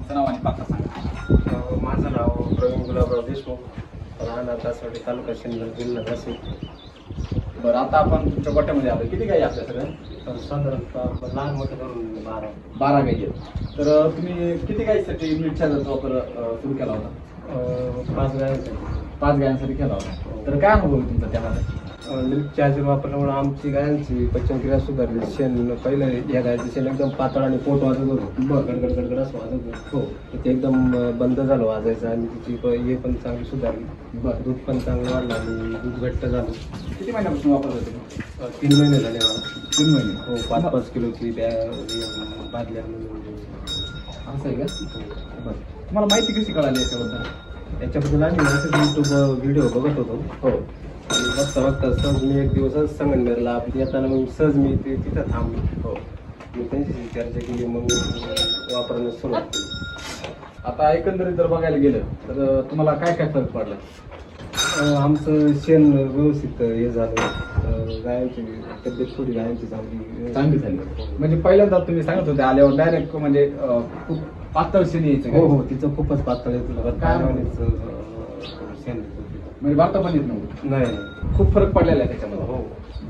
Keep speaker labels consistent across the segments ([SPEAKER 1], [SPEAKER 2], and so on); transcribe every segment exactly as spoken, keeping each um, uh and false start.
[SPEAKER 1] तुमचं नाव आणि पत्ता सांगा.
[SPEAKER 2] अ, माझं नाव प्रवीण गुलाबराव देशमुख, राहणार दासवाडी, तालुका सिन्नर, जिल्हा नाशिक.
[SPEAKER 1] बरं, आता आपण तुमच्या गोट्यामध्ये आलो. किती गाई आपल्या सगळ्या?
[SPEAKER 2] तर साधारणतः लहान मोठं धरून बारा
[SPEAKER 1] बारा गाई आहेत. तर अ, तुम्ही किती गाईसाठी मिल्क चार्जरचा वापर अ, सुरू केला होता?
[SPEAKER 2] अ, पाच गायांसाठी.
[SPEAKER 1] पाच गायांसाठी केला होता. तर काय अनुभव आहे तुमचा त्यामध्ये?
[SPEAKER 2] मिल्क चार्जर वापरल्यामुळे आमची गायांची पचनक्रिया सुधारली. शेण पहिलं या गायचं शेण एकदम पातळ आणि पोट वाजत होतं,
[SPEAKER 1] बरं.
[SPEAKER 2] गडगड गडगड असं वाजत होतं.
[SPEAKER 1] हो.
[SPEAKER 2] तर ते एकदम अ, बंद झालं वाजायचं आणि तिची प- हे पण चांगली सुधारली.
[SPEAKER 1] बरं.
[SPEAKER 2] दूध पण चांगलं वाढलं आणि दूध घट्ट झालं.
[SPEAKER 1] किती महिन्यापासून वापरत होते तुम्ही?
[SPEAKER 2] अ, तीन महिने झाले मला.
[SPEAKER 1] तीन महिने.
[SPEAKER 2] हो, पाच पाच किलोची बॅ बादल्या म्हणून.
[SPEAKER 1] असं आहे का? बरं. तुम्हाला माहिती कशी कळाली याच्याबद्दल?
[SPEAKER 2] याच्याबद्दल आम्ही असं युट्यूब व्हिडिओ बघत होतो
[SPEAKER 1] हो.
[SPEAKER 2] आणि बघता बघता सहज मी एक दिवसच संगमनेरला येताना मग सहज मी ते तिथं थांबलो.
[SPEAKER 1] हो.
[SPEAKER 2] मी त्यांच्याशी चर्चा केली, मग वापरण्यास सुरुवात केली.
[SPEAKER 1] आता एकंदरीत जर बघायला गेलं तर अ, तुम्हाला काय काय फरक पडला?
[SPEAKER 2] अं, आमचं शेण व्यवस्थित हे झालं. अं, गायांची तब्येत थोडी गायांची चांगली
[SPEAKER 1] चांगली झाली. म्हणजे पहिल्यांदा तुम्ही सांगत होते आल्यावर डायरेक्ट म्हणजे अ, खूप पातळ शेण यायचं
[SPEAKER 2] हो
[SPEAKER 1] का?
[SPEAKER 2] हो, तिचं खूपच पातळ येत होतं.
[SPEAKER 1] काय
[SPEAKER 2] गायांचं, अं, शेण येत होतं.
[SPEAKER 1] म्हणजे वार्ता पण येत नव्हतं.
[SPEAKER 2] नाही.
[SPEAKER 1] खूप फरक पडलेला आहे त्याच्यामध्ये.
[SPEAKER 2] हो.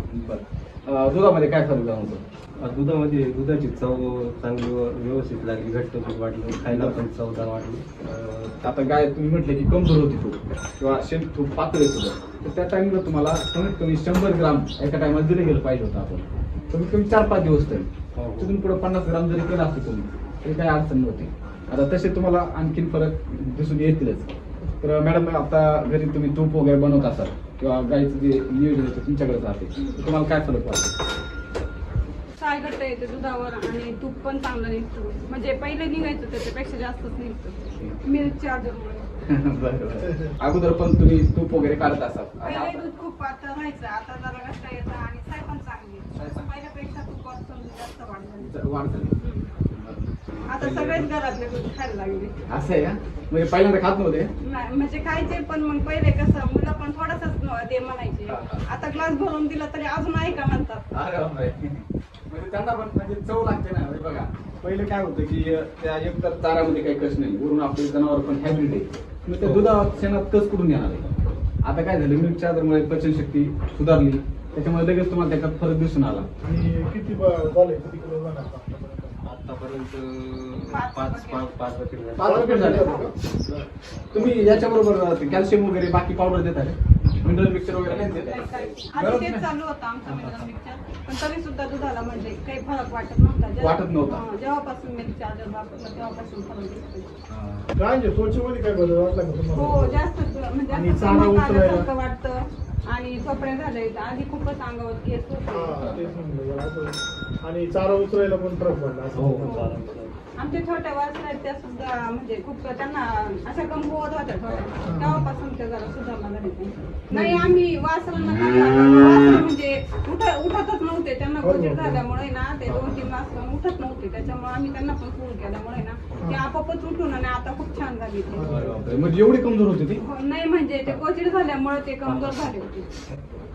[SPEAKER 1] बरं. अ, दुधामध्ये काय फरक जाणवतो?
[SPEAKER 2] अं, दुधामध्ये दुधाची चव चांगली व व्यवस्थित लागली. घट्ट दूध वाटलं, खायला पण चवदार वाटली.
[SPEAKER 1] अ, आता गाय तुम्ही म्हटले की कमजोर होती खूप किंवा शेण खूप पातळ येत होतं, तर त्या टाइमला तुम्हाला कमीत कमी शंभर ग्राम एका टायमाला दिलं गेलं पाहिजे होतं आपण. कमीत कमी चार पाच दिवस तरी.
[SPEAKER 2] हो, हो.
[SPEAKER 1] तिथून पुढे पन्नास ग्राम जरी केलं असतं तुम्ही तरी काही अडचण नव्हती. आता तसे तुम्हाला आणखीन फरक दिसून येतीलच. तर मॅडम, आता घरी तुम्ही तूप वगैरे बनवत असाल किंवा गाईचं जे नियोजन आहे ते तुमच्याकडे राहते, तर तुम्हाला काय फरक वाटतो?
[SPEAKER 3] साय घट्ट येते दुधावर आणि तूप पण चांगलं निघतं. म्हणजे पहिले निघायचं त्याच्यापेक्षा जास्तच निघतं मिल्क चार्जरमुळे.
[SPEAKER 1] बरं. अगोदर पण तुम्ही तूप वगैरे काढत असाल.
[SPEAKER 3] पहिले दूध खूप पातळ व्हायचं, आता जरा घट्ट येतं आणि साय पण चांगली येते. पहिल्यापेक्षा तुपात समजा जास्त वाढ झाली.
[SPEAKER 1] वाढ झाली.
[SPEAKER 3] आता सगळेच घरातले दूध खायला लागले.
[SPEAKER 1] असं आहे का? म्हणजे पहिल्यांदा खात नव्हते?
[SPEAKER 3] नाही म्हणजे खायचे, पण मग पहिले कसं मुलं पण थोडंसंच दे म्हणायचे. आता ग्लास भरून दिला तरी अजून आहे का म्हणतात.
[SPEAKER 1] अरे बापरे. म्हणजे त्यांना पण म्हणजे चव लागते ना. म्हणजे बघा, पहिले काय होतं की त्या एकतर चारामध्ये काही कस नाही, वरून आपले जनावर पण हायब्रिड आहे, मग त्या दुधात शेणात कस करून येणार आहे. आता काय झालं, मिल्क चार्जरमुळे पचनशक्ती सुधारली, त्याच्यामुळे लगेच तुम्हाला त्याच्यात फरक दिसून आला.
[SPEAKER 4] आणि किती ब- झाले किती किलो झाला
[SPEAKER 2] आतापर्यंत
[SPEAKER 3] पाच
[SPEAKER 2] पाच
[SPEAKER 3] packet.
[SPEAKER 2] पाच पाच packet झाले.
[SPEAKER 1] पाच पॅकेट झाले. तुम्ही याच्याबरोबर कॅल्शियम वगैरे बाकी पावडर देता का? मिनरल मिक्सर वगैरे नाही देत आहे?
[SPEAKER 3] आधी
[SPEAKER 1] गरज
[SPEAKER 3] तेच
[SPEAKER 1] नाही.
[SPEAKER 3] चालू होतं आमचं मिल्क मिक्सर, पण तरी सुद्धा दुधाला म्हणजे काही फरक वाटत नव्हता. जेव्हा-
[SPEAKER 1] वाटत नव्हता.
[SPEAKER 3] हा, जेव्हापासून मिल्क चार्जर वापरलं तेव्हापासून फरक दिसतो.
[SPEAKER 4] काय त्वचेमध्ये काय बदल वाटला का तुम्हाला?
[SPEAKER 3] हो, जास्त म्हणजे
[SPEAKER 4] आणि
[SPEAKER 3] असं
[SPEAKER 4] चारा
[SPEAKER 3] चमक
[SPEAKER 4] उचलायला?
[SPEAKER 3] आल्यासारखं वाटतं आणि कपडे झाले. आधी खूपच अंगावर केस
[SPEAKER 4] हा,
[SPEAKER 3] होते.
[SPEAKER 4] तेच म्हणलं जरा असं. आणि चारा उचलायला पण फरक पडला असं.
[SPEAKER 2] हो,
[SPEAKER 3] हो.
[SPEAKER 2] चालेल.
[SPEAKER 3] आमच्या छोट्या वासरा आहेत त्या सुद्धा म्हणजे खूप त्यांना अशा कमकुवत होत्या थोड्या, तेव्हापासून त्या जरा सुधारणा झाली त्यांची. नाही, आम्ही वासरांना काय झालं, वासरं म्हणजे उठ उठतच नव्हते. त्यांना कोचिड झाल्यामुळे ना ते दोन तीन वासरं उठत नव्हते. त्याच्यामुळे आम्ही त्यांना पण सुरू केल्यामुळे ना ते आपोआपच उठून आणि आता खूप छान झाली ते.
[SPEAKER 1] अरे बापरे. म्हणजे एवढी कमजोर होती ती?
[SPEAKER 3] हो, नाही म्हणजे ते कोचिड झाल्यामुळे ते कमजोर झाले होते.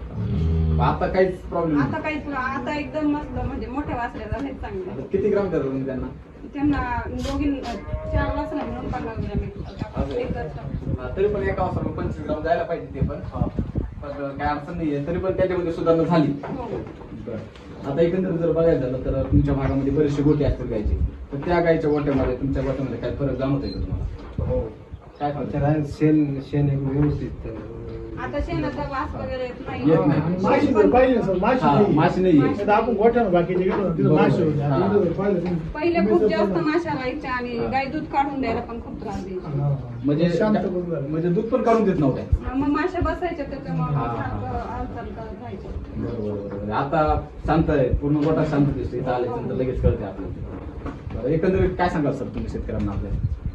[SPEAKER 1] आता काहीच प्रॉब्लेम
[SPEAKER 3] आता काहीच आता एकदम मस्त म्हणजे मोठ्या वासऱ्या झाले चांगले.
[SPEAKER 1] किती ग्राम देतात तुम्ही त्यांना?
[SPEAKER 3] त्यांना दोघी चार वासरा मिळून पन्नास ग्रॅम येतात. एक वर्ष.
[SPEAKER 1] हा, तरी पण एका वाजता पंचवीस ग्राम जायला पाहिजे ते पण. पण काय अडचण नाहीये, तरी पण त्याच्यामध्ये सुधारणा झाली.
[SPEAKER 3] हो.
[SPEAKER 1] बरं. आता एकंदरीत जर बघायला झालं तर तुमच्या भागामध्ये बरेचसे गोटे असतील गायचे, तर त्या गायच्या गोट्यामध्ये तुमच्या गोट्यामध्ये काय फरक जाणवतोय का तुम्हाला?
[SPEAKER 2] हो.
[SPEAKER 1] काय फरक?
[SPEAKER 2] आमच्या रान शेण शेण एक व्यवस्थित अं,
[SPEAKER 3] आता शेणाचा वास वगैरे येत नाही.
[SPEAKER 1] येत नाही.
[SPEAKER 4] आणि माशी जर पाहिजे सर, माशी
[SPEAKER 1] हा,
[SPEAKER 4] नाही.
[SPEAKER 1] माशी नाहीये.
[SPEAKER 4] नाही तर आपण गोठ्यानं बाकीचे गेलो ना, तिथं
[SPEAKER 1] बरोबर.
[SPEAKER 4] माशी होती. आणि
[SPEAKER 1] हा.
[SPEAKER 4] इथं जर पाहिलं तुम्ही,
[SPEAKER 3] पहिले
[SPEAKER 4] तुम्ही
[SPEAKER 3] खूप
[SPEAKER 4] जर
[SPEAKER 3] जास्त
[SPEAKER 4] पाहिलं-
[SPEAKER 3] माशा व्हायच्या आणि गाय दूध काढून द्यायला पण खूप त्रास द्यायची.
[SPEAKER 4] हा.
[SPEAKER 1] म्हणजे
[SPEAKER 4] शांत बसून झालं.
[SPEAKER 1] म्हणजे दूध पण काढून देत नव्हत्या.
[SPEAKER 3] मग माशा बसायच्या त्याच्यामुळे
[SPEAKER 1] हा.
[SPEAKER 3] सारखं हालचाल करत राहायचं.
[SPEAKER 1] बरोबर बरोबर. आता शांत आहे, पूर्ण गोटा शांत दिसतो. इथं आल्यानंतर लगेच कळते आपल्याला. बरं, एकंदरीत काय सांगाल सर तुम्ही शेतकऱ्यांना आपल्या?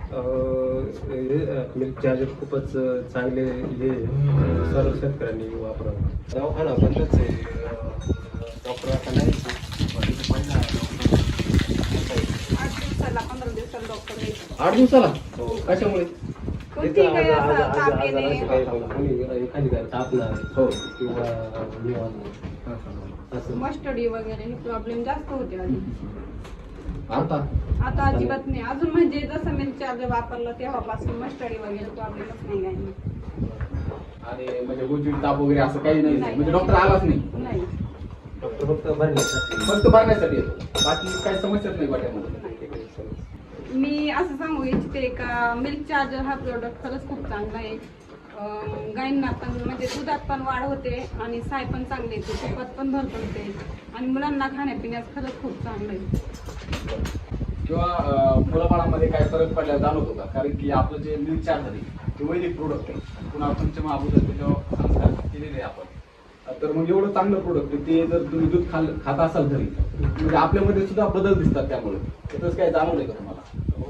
[SPEAKER 2] मिल्क चार्जर खूपच अं, चांगले हे अं, सर्व शेतकऱ्यांनी वापरावं. दवाखाना बंदच आहे. डॉक्टर आता नाही.
[SPEAKER 3] आठ दिवसाला पंधरा दिवसाला डॉक्टर यायचं.
[SPEAKER 1] आठ दिवसाला?
[SPEAKER 2] हो.
[SPEAKER 1] कशामुळे?
[SPEAKER 3] कोणती काही असं ताप येणे.
[SPEAKER 2] एखादी काय तापणार
[SPEAKER 1] हो.
[SPEAKER 2] किंवा निवांत असं
[SPEAKER 3] मस्टडी वगैरे हे प्रॉब्लेम जास्त होते आधी.
[SPEAKER 1] आता
[SPEAKER 3] आता अजिबात नाही. अजून म्हणजे जसं मिल्क चार्जर वापरलं तेव्हापासून मस्टडी वगैरे प्रॉब्लेमच नाही काही नाही.
[SPEAKER 1] आणि म्हणजे गोचिड ताप वगैरे असं काही नाही
[SPEAKER 3] नाही.
[SPEAKER 1] म्हणजे डॉक्टर आलाच नाही,
[SPEAKER 3] नाही
[SPEAKER 2] डॉक्टर फक्त भरण्यासाठी
[SPEAKER 1] फक्त भरण्यासाठी येतो, बाकी काही समस्याच नाही वाट्यामध्ये.
[SPEAKER 3] मी असं सांगू इच्छिते का मिल्क चार्जर हा प्रोडक्ट खरंच खूप चांगला आहे. अं, गायींना पण म्हणजे दुधात पण वाढ होते आणि साय पण चांगली येते, तुपात पण भरपूर होते आणि मुलांना खाण्यापिण्यास खरंच खूप चांगलं आहे.
[SPEAKER 1] किंवा अं, मुलाबाळांमध्ये काय फरक पडला जाणवत होता, कारण की आपलं जे मिल्क चार्जर आहे ते वैदिक प्रोडक्ट आहे, पुन्हा पंचमहाभूत त्याच्यावर संस्कार केलेले आहे आपण. तर मग एवढं चांगलं प्रोडक्ट ते जर तुम्ही दूध खाल खात असाल घरी म्हणजे आपल्यामध्ये सुद्धा बदल दिसतात, त्यामुळे त्याच काय जाणवलंय का तुम्हाला?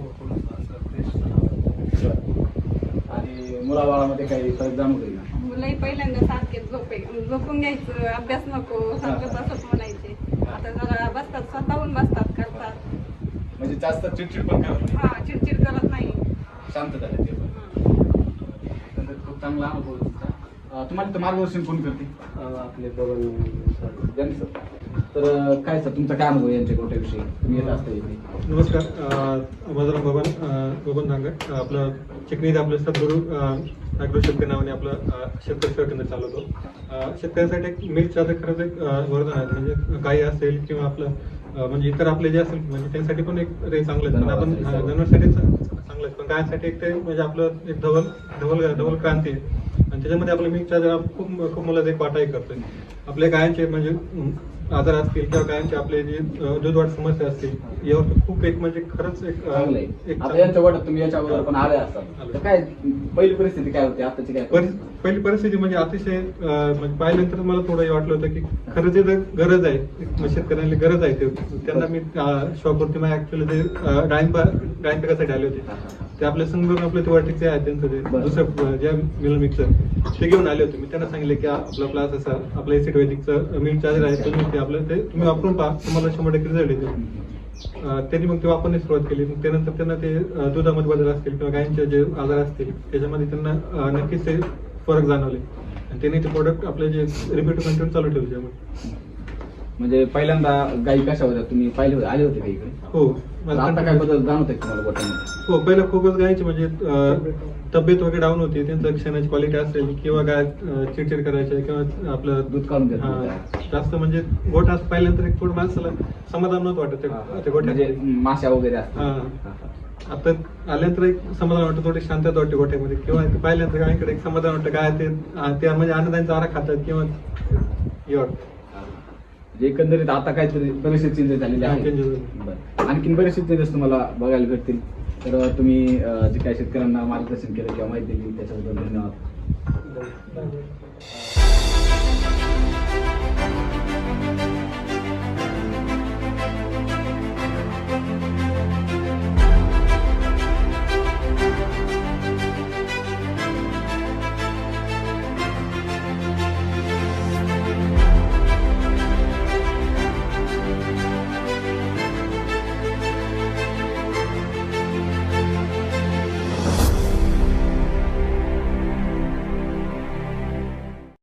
[SPEAKER 1] आणि मुलाबाळामध्ये काही फरक जाणवतोय का?
[SPEAKER 3] मुलंही पहिल्यांदा सारखे झोपे झोपून घ्यायचं, अभ्यास नको सारखं तसंच म्हणायचे. आता जरा बसतात, स्वतःहून बसतात, करतात.
[SPEAKER 1] म्हणजे जास्त चिडचिड पण करत नाही,
[SPEAKER 3] हा चिडचिड करत नाही.
[SPEAKER 1] शांत झाले ते पण.
[SPEAKER 3] हा.
[SPEAKER 1] एकंदरीत खूप चांगला अनुभव आहे तुमचा. अं, तुम्हाला इथं मार्गदर्शन कोण करते?
[SPEAKER 2] आपले बघून
[SPEAKER 1] ज्यांनी सर. तर अं, काय सर तुमचा काय अनुभव आहे यांच्या गोट्याविषयी? तुम्ही येत असता इथे.
[SPEAKER 5] नमस्कार, अ, माझं नाव बबन अ, बबन धांगड. आपलं चिकणीत आपलं सद्गुरू अॅग्रो शेतकरी नावाने आपलं अ, शेतकरी सेवा केंद्र चालवतो. अ, शेतकऱ्यांसाठी एक मिल्क चार्जर खरंच एक अ, वरदान आहे. म्हणजे गाई असेल किंवा आपलं अ, म्हणजे इतर आपले जे असेल म्हणजे त्यांसाठी पण एक रे चांगलं आहे. पण आपण हा, जनावरांसाठी चांगलं आहे, पण गायांसाठी एक ते म्हणजे आपलं एक धवल धवल धवल क्रांती आहे. आणि त्याच्यामध्ये आपलं मिल्क चार्जर खूप खूप मोलाचा एक वाटाही करतोय. आपल्या गायांचे म्हणजे अं, आजार असतील किंवा गायांचे आपले जे अं, दूधवाढ समस्या असतील यावर खूप एक म्हणजे खरंच एक अं,
[SPEAKER 1] चांगलं आहे.
[SPEAKER 5] एक
[SPEAKER 1] आता यांच्या गोट्यात तुम्ही याच्या अगोदर पण आले असतात,
[SPEAKER 5] आलो.
[SPEAKER 1] तर काय पहिली परिस्थिती काय होती, आताची काय?
[SPEAKER 5] परि- पहिली परिस्थिती म्हणजे अतिशय अं, म्हणजे पाहिल्यानंतर मला थोडं हे वाटलं होतं की खरंच जे गरज आहे एक शेतकऱ्यांना गरज आहे ते त्यांना मी शॉपवरती मग ऍक्च्युअली ते अं, डाळिंब डाळिंब पिकासाठी आले होते. ते आपल्या संघ आपले ते वाटिकचे आहेत त्यांचं ते
[SPEAKER 1] बरं.
[SPEAKER 5] दुसरं जे मिल मिक्सर ते घेऊन आले होते. मी त्यांना सांगितले की आपला क्लास असा आपलं एसिड वैदिकचं मिल्क चार्जर आहे, तुम्ही ते आपलं ते तुम्ही वापरून पहा, तुम्हाला शंभर टक्के रिझल्ट येतो. अं, त्यांनी मग ते वापरण्यास सुरुवात केली. मग त्यानंतर त्यांना ते अं, दुधामध्ये बदल असतील किंवा गायींचे जे आजार असतील त्याच्यामध्ये त्यांना अं, नक्कीच ते फरक जाणवले आणि त्यांनी ते प्रोडक्ट आपले जे रिपीट कंटिन्यू चालू ठेवले त्यामुळे.
[SPEAKER 1] म्हणजे पहिल्यांदा गायी कशा होत्या तुम्ही पाहिले होते, आले होते का इकडे?
[SPEAKER 5] हो
[SPEAKER 1] तर आता काय बदल जाणवत आहे तुम्हाला गोट्यामध्ये?
[SPEAKER 5] हो पहिलं खूपच गायची म्हणजे अं, तब्येत वगैरे डाऊन होती, त्यांचं क्षणाची क्वालिटी असेल किंवा गाय अं, चिडचिड करायचे किंवा आपलं
[SPEAKER 1] दूध काढून देत
[SPEAKER 5] हा,
[SPEAKER 1] नव्हत्या.
[SPEAKER 5] जास्त म्हणजे गोठा असं पाहिल्यानंतर एक थोडं माणसाला समाधान नव्हतं वाटत त्या- त्या गोठ्यात.
[SPEAKER 1] म्हणजे माश्या वगैरे असतात.
[SPEAKER 5] हा.
[SPEAKER 1] हा, हा.
[SPEAKER 5] आता आल्यानंतर एक समाधान वाटतं, थोडी शांतता वाटते गोठ्यामध्ये किंवा इथे पाहिल्यानंतर गायकडे एक समाधान वाटतं, काय ते आ, ते म्हणजे आनंदाने चारा खातात किंवा हे वाटतं.
[SPEAKER 1] म्हणजे एकंदरीत आता काहीतरी बरेचसे चेंजेस झालेले
[SPEAKER 5] हा,
[SPEAKER 1] आहेत.
[SPEAKER 5] changes झाले.
[SPEAKER 1] बरं. आणखीन बरेचसे चेंजेस तुम्हाला बघायला भेटतील. तर तुम्ही अं, जे काही शेतकऱ्यांना मार्गदर्शन केलं किंवा माहिती दिली त्याच्याबद्दल धन्यवाद.
[SPEAKER 5] धन्यवाद.